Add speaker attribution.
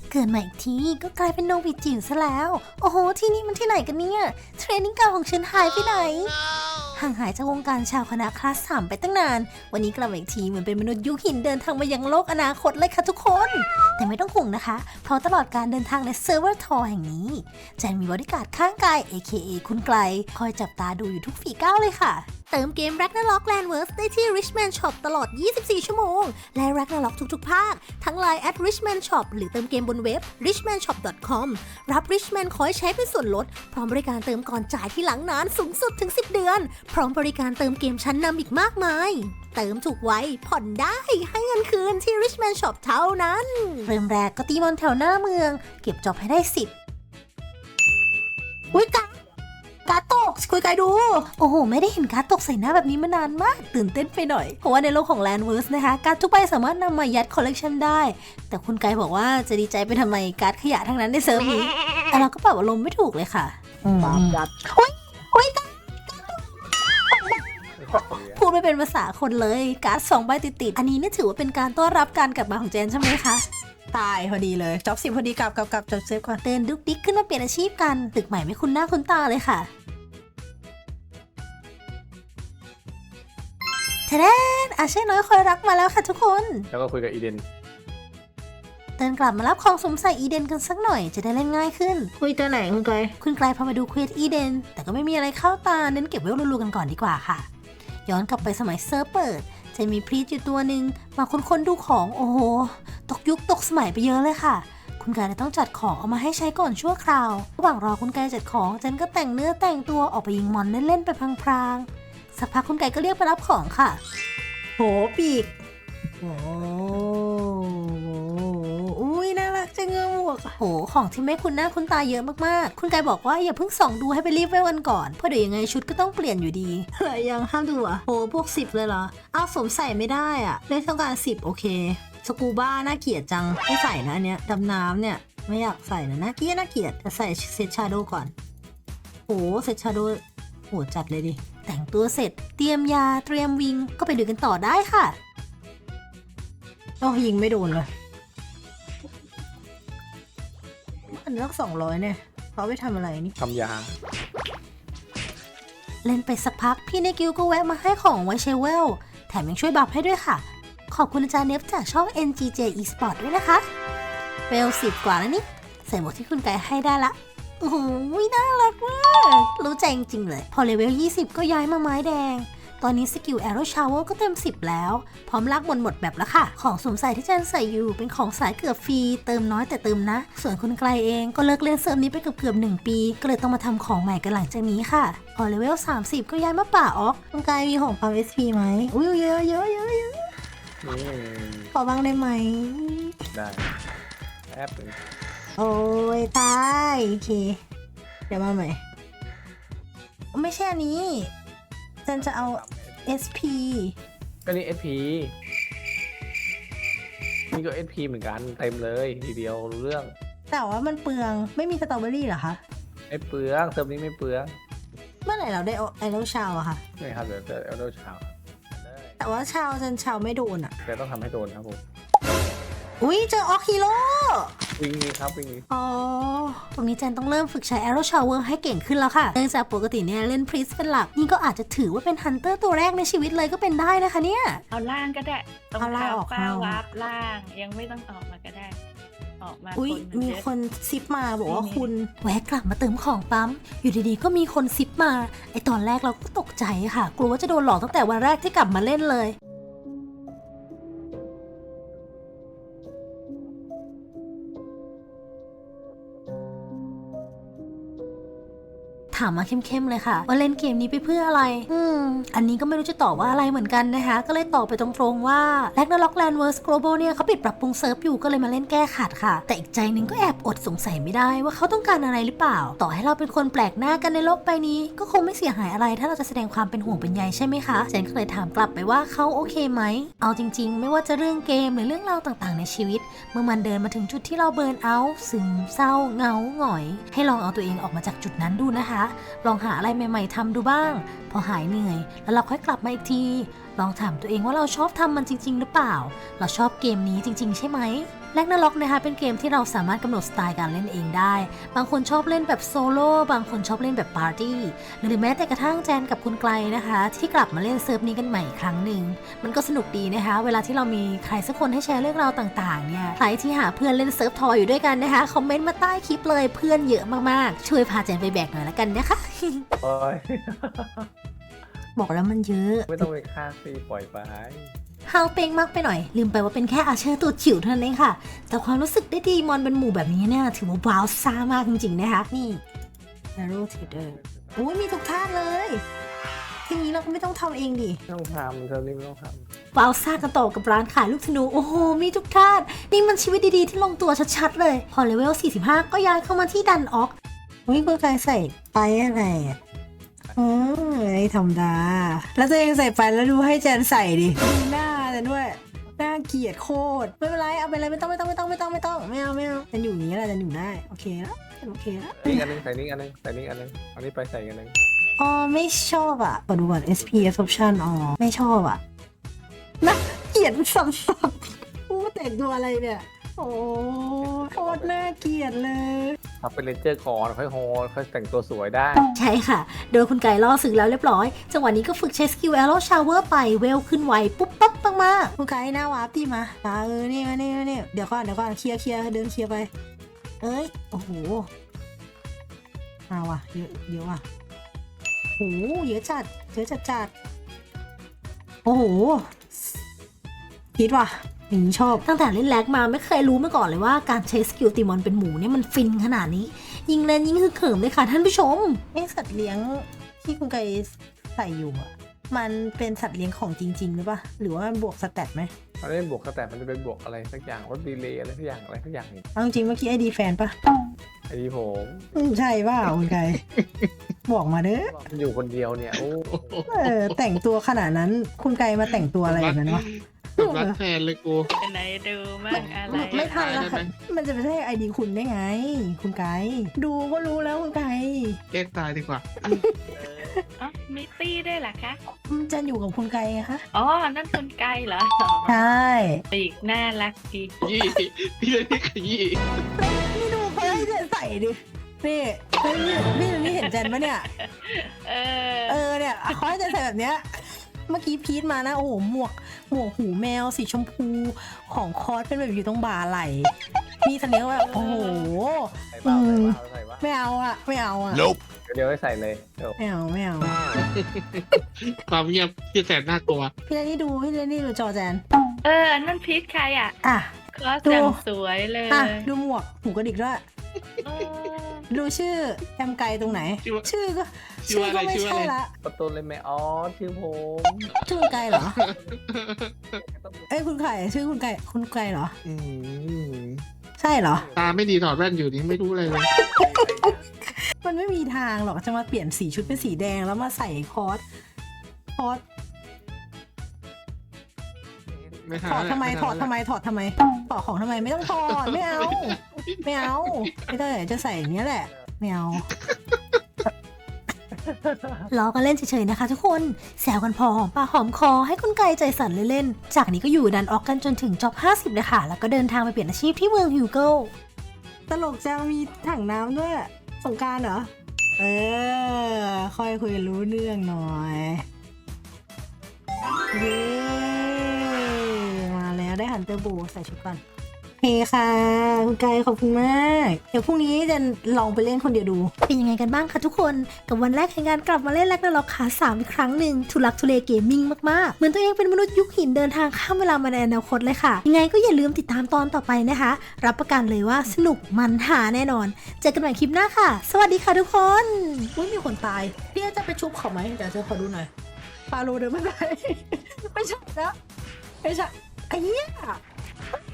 Speaker 1: เกิดมาอีกทีก็กลายเป็นโนบิจิ๋วซะแล้วโอ้โหที่นี่มันที่ไหนกันเนี่ยเทรนนิ่งเก่าของฉันหายไปไหนห่างหายจากวงการชาวคณะคลาส3ไปตั้งนานวันนี้กลับมาอีกทีเหมือนเป็นมนุษย์ยุคหินเดินทางมายังโลกอนาคตเลยค่ะทุกคนแต่ไม่ต้องห่วงนะคะเพราะตลอดการเดินทางในเซิร์ฟเวอร์ทอแห่งนี้แจนมีบริการดข้างกาย AKA คุณไกลคอยจับตาดูอยู่ทุกฝีก้าวเลยค่ะเติมเกม Ragnarok Landverse ได้ที่ Richman Shop ตลอด 24 ชั่วโมงและ Ragnarok ทุกๆภาคทั้ง Line @Richman Shop หรือเติมเกมบนเว็บ richmanshop.com รับ Richman คอยใช้เป็นส่วนลดพร้อมบริการเติมก่อนจ่ายที่หลังนานสูงสุดถึง 10 เดือนพร้อมบริการเติมเกมชั้นนำอีกมากมายเติมถูกไว้ผ่อนได้ให้เงินคืนที่ Richman Shop เท่านั้นเริ่มแรกก็ตีมอนแถวหน้าเมืองเก็บจอบให้ได้10อุ๊ยการตกคุยไกลดูโอ้โหไม่ได้เห็นการตกใส่หน้าแบบนี้มานานมากตื่นเต้นไปหน่อยเพราะว่าในโลกของ Landverse นะคะการทุกใบสามารถนำมายัดคอลเลกชันได้แต่คุณไกบอกว่าจะดีใจไปทำไมการขยะทั้งนั้นในเซิร์ฟนี้แต่เราก็ปรับอารมณ์ไม่ถูกเลยค่ะ
Speaker 2: ปายัด
Speaker 1: อุ๊ยพูดไม่เป็นภาษาคนเลยการ์ด2 ใบติดๆอันนี้นี่ถือว่าเป็นการต้อนรับการกลับมาของเจนใช่ไหมคะ
Speaker 2: ตายพอดีเลยจ็อบ10พอดีกับจบเซฟก่อน
Speaker 1: เตือนดุกดิกขึ้นมาเปลี่ยนอาชีพกันตึกใหม่ไม่คุ้นหน้าคุ้นตาเลยค่ะเทเดนอาเช่น้อยคอยรักมาแล้วค่ะทุกคน
Speaker 3: แล้วก็คุยกับอีเดน
Speaker 1: เดินกลับมารับของสมใส่อีเดนกันสักหน่อยจะได้เล่นง่ายขึ้น
Speaker 2: คุยตัวไหนคุณไกล
Speaker 1: พามาดูเควสอีเดนแต่ก็ไม่มีอะไรเข้าตาเน้นเก็บไว้รัวๆกันก่อนดีกว่าค่ะย้อนกลับไปสมัยเซิร์ฟเปิดจะมีพรีตอยู่ตัวหนึ่งมาค้นดูของโอ้โหตกยุคตกสมัยไปเยอะเลยค่ะคุณไก่เลยต้องจัดของเอามาให้ใช้ก่อนชั่วคราวระหว่างรอคุณไก่จัดของเจนก็แต่งเนื้อแต่งตัวออกไปยิงมอนเล่นๆไปพลางๆสักพักคุณไก่ก็เรียกไปรับของค่ะ
Speaker 2: โหปีกโอ้อุ้ยน่ารักจังเงือกหมวก
Speaker 1: โหของที่ไม่คุ้นหน้าคุ้นตาเยอะมากๆคุณไก่บอกว่าอย่าเพิ่งส่องดูให้ไปรีบเวลกันก่อนเพราะเดี๋ยวยังไงชุดก็ต้องเปลี่ยนอยู่ดี
Speaker 2: อะไรยังห้ามดูอ่ะโหพวก10เลยเหรอเอาสวมใส่ไม่ได้อ่ะเล่นต้องการ10โอเคสกูบ้าน่าเกลียดจังไม่ใส่นะอันเนี้ยดำน้ำเนี่ยไม่อยากใส่นะน่าเกลียดจะใส่เซตชาโดก่อนโหเซตชาโดโหจัดเลยดิ
Speaker 1: แต่งตัวเสร็จเตรียมยาเตรียมวิงก็ไปดูกันต่อได้ค่ะ
Speaker 2: โอ้ยิงไม่โดนเลยอันนี้ต้อง200เนี่ยเขาไปทำอะไรนี่
Speaker 3: ทำยา
Speaker 1: เล่นไปสักพักพี่ในกิลก็แวะมาให้ของไวเชเวลแถมยังช่วยบัฟให้ด้วยค่ะขอบคุณอาจารย์เนฟจากช่อง NGJ Esport ด้วยนะคะเวล10 กว่าแล้วนี่ใส่หมวกที่คุณไก่ให้ได้ละโอ้โหน่ารักมากรู้ใจจริงๆเลยพอเลเวล20ก็ย้ายมาไม้แดงตอนนี้สกิล Arrow Shower ก็เต็ม10แล้วพร้อมลากหมดแบบแล้วค่ะของสวมใส่ที่จันใส่อยู่เป็นของสายเกือบฟรีเติมน้อยแต่เติมนะส่วนคุณไกลเองก็เลิกเล่นเซิร์ฟนี้ไปเกือบ1 ปีก็เลยต้องมาทำของใหม่กันหลังจากนี้ค่ะพอเลเวล30ก็ย้ายมาป่าออก
Speaker 2: คุณไกลมีของปั๊ม SP ไหมอุ้ยเยอะขอบ้างได้ไหม
Speaker 3: ได้แอปเลย
Speaker 2: โอ้ยตายโอเคเดี๋ยวมาใหม่ไม่ใช่อันนี้จันจะเอา SP
Speaker 3: ก็นี่ SP นี่ก็ SP เหมือนกันเต็มเลยทีเดียวรู้เรื่อง
Speaker 2: แต่ว่ามันเปลืองไม่มีสตรอเบอรี่เหรอคะ
Speaker 3: ไม่เปลืองเติมนี้ไม่เปลือง
Speaker 2: เมื่อไหร่เราได้ไอโรชาวอะคะ
Speaker 3: ไม่ครับเดี๋ยวจะเอาโดชาว
Speaker 2: แต่ว่าชาวจันชาวไม่โดนอะ
Speaker 3: แต่ต้องทำให้โดนครับผม
Speaker 2: อุ้ยเจอออกฮีโร่
Speaker 3: วิ่งนี้ครับวิ่งนี้
Speaker 1: อ๋อตรงนี้เจนต้องเริ่มฝึกใช้ Arrow Shower ให้เก่งขึ้นแล้วค่ะเนื่องจากปกติเนี่ยเล่น Priest เป็นหลักนี่ก็อาจจะถือว่าเป็น Hunter ตัวแรกในชีวิตเลยก็เป็นได้นะคะเนี่ย
Speaker 4: เอาล่างก็ได้ตรง
Speaker 2: ล่างออก
Speaker 4: ป้าวาร์ปล่างยังไม่ต้องออกมาก็ได้ออกมา
Speaker 2: อุ้ยมีคนซิปมาบอกว่าคุณ
Speaker 1: แวะกลับมาเติมของปั๊มอยู่ดีๆก็มีคนซิปมาไอตอนแรกเราก็ตกใจค่ะกลัวว่าจะโดนหลอกตั้งแต่วันแรกที่กลับมาเล่นเลยถามมาเข้มๆเลยค่ะว่าเล่นเกมนี้ไปเพื่ออะไรอันนี้ก็ไม่รู้จะตอบว่าอะไรเหมือนกันนะคะก็เลยตอบไปตรงๆว่า Ragnarok Landverse Global เนี่ยเขาปิดปรับปรุงเซิร์ฟอยู่ก็เลยมาเล่นแก้ขัดค่ะแต่อีกใจนึงก็แอบอดสงสัยไม่ได้ว่าเขาต้องการอะไรหรือเปล่าต่อให้เราเป็นคนแปลกหน้ากันในโลกใบนี้ก็คงไม่เสียหายอะไรถ้าเราจะแสดงความเป็นห่วงเป็นใยใช่ไหมคะเจนก็เลยถามกลับไปว่าเขาโอเคไหมเอาจริงๆไม่ว่าจะเรื่องเกมหรือเรื่องราวต่างๆในชีวิตเมื่อมันเดินมาถึงจุดที่เราเบิร์นเอาท์ซึมเศร้าเหงาหงอยให้ลองเอาตัวเองออกมาจากจุดนั้นดูนะคะลองหาอะไรใหม่ๆทำดูบ้างพอหายเหนื่อยแล้วเราค่อยกลับมาอีกทีลองถามตัวเองว่าเราชอบทำมันจริงๆหรือเปล่าเราชอบเกมนี้จริงๆใช่ไหมแร็กนาร็อกนะคะเป็นเกมที่เราสามารถกำหนดสไตล์การเล่นเองได้บางคนชอบเล่นแบบโซโล่บางคนชอบเล่นแบบปาร์ตี้หรือแม้แต่กระทั่งแจนกับคุณไกลนะคะที่กลับมาเล่นเซิร์ฟนี้กันใหม่อีกครั้งหนึ่งมันก็สนุกดีนะคะเวลาที่เรามีใครสักคนให้แชร์เรื่องราวต่างๆเนี่ยใครที่หาเพื่อนเล่นเซิร์ฟทอยอยู่ด้วยกันนะคะคอมเมนต์มาใต้คลิปเลยเพื่อนเยอะมากๆช่วยพาแจนไปแบกหน่อยละกันนะคะ
Speaker 3: โอ้ย
Speaker 2: บอกแล้วมันเยอะ
Speaker 3: ไม่ต้องไปฆ่าซีปล่อยไป
Speaker 1: ฮาวเป้งมากไปหน่อยลืมไปว่าเป็นแค่อาเชอร์ตัวจิ๋วเท่านั้นเองค่ะแต่ความรู้สึกได้ดีมอนเป็นหมู่แบบนี้เนี่ยถือว่าว้าวซ่ามากจริงๆนะคะนี่
Speaker 2: Arrow Trader โอ้ยมีทุกท่าเลยทีนี้เราก็ไม่ต้องทำเองดิ
Speaker 3: ไม่ต้องทำเธอนี่ไม่ต้องท
Speaker 1: ว้าวซ่ากันต่อกับร้านขายลูกธนูโอ้โหมีทุกท่านนี่มันชีวิตดีๆที่ลงตัวชัดๆเลยพอเลเวล 45 ก็ย้ายเข้ามาที่ดันออก
Speaker 2: อุ้ยคุณกายใส่ไปอะไรอ่ะไอ้ธรรมดาแล้วตัวเองใส่ไปแล้วดูให้แจนใส่ดิดูหน้าแต่ด้วยน่าเกลียดโคตรไม่เป็นไรเอาไปเลยไม่ต้องไม่เอาจะอยู่อย่างนี้แหละจะอยู่ได้โอเคแล้วโอเคแล้ว
Speaker 3: ำนี่อันนึงใส่นี่อันนึงใส่นี่อันนึงอันนี้ไปใส่กันนึง
Speaker 2: อ๋อไม่ชอบอ่ะขอดูก่อน SP Absorption อ๋อไม่ชอบอ่ะน่าเกลียดสับๆกูแต่งตัวอะไรเนี่ยโอ้โคตรน่าเกลียดเลย
Speaker 3: ทำเป็นเลนเจอร์ก่อนค่อยโฮค่อยแต่งตัวสวยได้
Speaker 1: ใช่ค่ะ โดยคุณไก่ล่อสึกแล้วเรียบร้อย จังหวะนี้ก็ฝึกใช้สกิล Arrow Shower ไปเวลขึ้นไวปุ๊บปั๊บมาก
Speaker 2: คุณกายหน้าวาร์ปตีมานี่มานี่เดี๋ยวก่อนเคลียร์เดินเคลียร์ไปเอ้ยโอ้โหเอาว่ะเยอะว่ะโอ้โหเยอะจัดโอ้โหคิดว่ะอย่างนี้ชอบ
Speaker 1: ๆตั้งแต่เล่นแร็กมาไม่เคยรู้มาก่อนเลยว่าการใช้สกิลตีมอนเป็นหมูเนี่ยมันฟินขนาดนี้ ยิงเล่นยิ่งคือเขิมเลยค่ะท่านผู้ชม
Speaker 2: สัตว์เลี้ยงที่คุณไกใส่อยู่อ่ะมันเป็นสัตว์เลี้ยงของจริงๆหรือปะหรือว่ามันบวกสแตทไหม
Speaker 3: มันไม่บวกแต่มันจะเป็นบวกอะไรสักอย่างลดดีเลย์อะไรสักอย่างนี่
Speaker 2: เอาจริงเมื่อกี้ไอดีแฟนปะ
Speaker 3: ไอ้ที่ผม
Speaker 2: ใช่ป่ะคุณไกบอกมาเด้อ
Speaker 3: มันอยู่คนเดียวเนี่ยโอ้
Speaker 2: แต่งตัวขนาดนั้นคุณไกมาแต่งตัวอะไรอย่างนั้นวะ
Speaker 5: รักแทนเลยกู
Speaker 4: เป็นไหนดูมั่งอะไร
Speaker 2: ไม่ทันแล้ว
Speaker 5: ได้ไหม
Speaker 2: มันจะไปใช่ไอดีคุณได้ไง คุณไกดูก็รู้แล้วคุณไก
Speaker 5: แกล้งตายดีกว่า
Speaker 4: อ๋อมิตี้ได้วยเหรอคะ
Speaker 2: จะอยู่กับคุณไกไงคะ
Speaker 4: อ๋อ นั่นคนไกลเหรอ
Speaker 2: ใช่
Speaker 4: ปีกน่ารักดี
Speaker 5: ยี่พี่เลยนี่ขยี้
Speaker 2: นี่ดูเขาให้เจนใส่ดินี่พี่เห็นเจนปะเนี่ย
Speaker 4: เออ
Speaker 2: เนี่ยเขาให้เจนใส่แบบเนี้ยเมื่อกี้พีทมานะโอ้โหหมวกหูแมวสีชมพูของคอสเป็นแบบอยู่ตรงบ่าไหลมีสัญลักษณ์แบบโอ้โห
Speaker 3: ใส่เปล่าใส่ว่า
Speaker 2: ไม่เอาอ่ะ
Speaker 3: เดี๋ยวให้ใส่เลยเดี๋ยว
Speaker 2: ไม่เอา
Speaker 5: ความเงียบที่แสนน่ากลัว
Speaker 2: พี่เลนนี่ดูจอแจน
Speaker 4: นั่นพีทใครอ่ะ
Speaker 2: อ่ะ
Speaker 4: คอสอย่างสวยเลย
Speaker 2: ดูหมวกหูกระดิกด้วย
Speaker 4: เออ
Speaker 2: ดูชื่อแอมไกตรงไหน ชื่อก็
Speaker 5: ชื่ออะไร
Speaker 2: ไม่
Speaker 5: ชื่ออะไร
Speaker 2: ใช่ละ
Speaker 3: ประตูเลยไหมอ๋อชื่อผม
Speaker 2: ชื่อคุณไกเหรอ เอ้ยคุณไก่ชื่อคุณไก่เหรอ
Speaker 5: อืม
Speaker 2: ใช่เหรอ
Speaker 5: ตาไม่ดีถอดแว่นอยู่นี่ไม่รู้อะไรเลย
Speaker 2: มันไม่มีทางหรอกจะมาเปลี่ยนสีชุดเป็นสีแดงแล้วมาใส่คอส
Speaker 5: ไม่หา
Speaker 2: ถอดทำไม
Speaker 5: แล้ว
Speaker 2: ถอดของทำไมไม่ต้องถอดไม่เอาไม่ได้จะใส่อย่างเนี้ยแหละไม่เอา
Speaker 1: ล้อกันเล่นเฉยๆนะคะทุกคนแซวกันพอหอมปากหอมคอให้คุณไก่ใจสั่นเล่นๆจากนี้ก็อยู่ดันออกกันจนถึงจ็อบ 50เลยค่ะแล้วก็เดินทางไปเปลี่ยนอาชีพที่เมืองฮิวเกิล
Speaker 2: ตลกจะมีถังน้ำด้วยสงกรานต์เหรอค่อยคุยรู้เรื่องหน่อยเย้มาแล้วได้ฮันเตอร์โบใส่ชุดก่อนโอเคค่ะคุณไก่ขอบคุณมากเดี๋ยวพรุ่งนี้จะลองไปเล่นคนเดียวดู
Speaker 1: เป็นยังไงกันบ้างคะทุกคนกับวันแรกแห่งการกลับมาเล่นแร็กนาร็อกขา3อีกครั้งหนึ่งทุลักทุเลเกมมิ่งมากๆเหมือนตัวเองเป็นมนุษย์ยุคหินเดินทางข้ามเวลามาในอนาคตเลยค่ะยังไงก็อย่าลืมติดตามตอนต่อไปนะคะรับประกันเลยว่าสนุกมันหาแน่นอนเจอกันใหม่คลิปหน้าค่ะ สวัสดีค่ะทุกคน
Speaker 2: อุ้ยมีคนตายพี่จะไปชุบเขาไหมเดี๋ยวจะขอดูหน่อยปาโลเดินไม่ได้ ไม่ใช่แล้วไม่ใช่ไอ้เหี้ย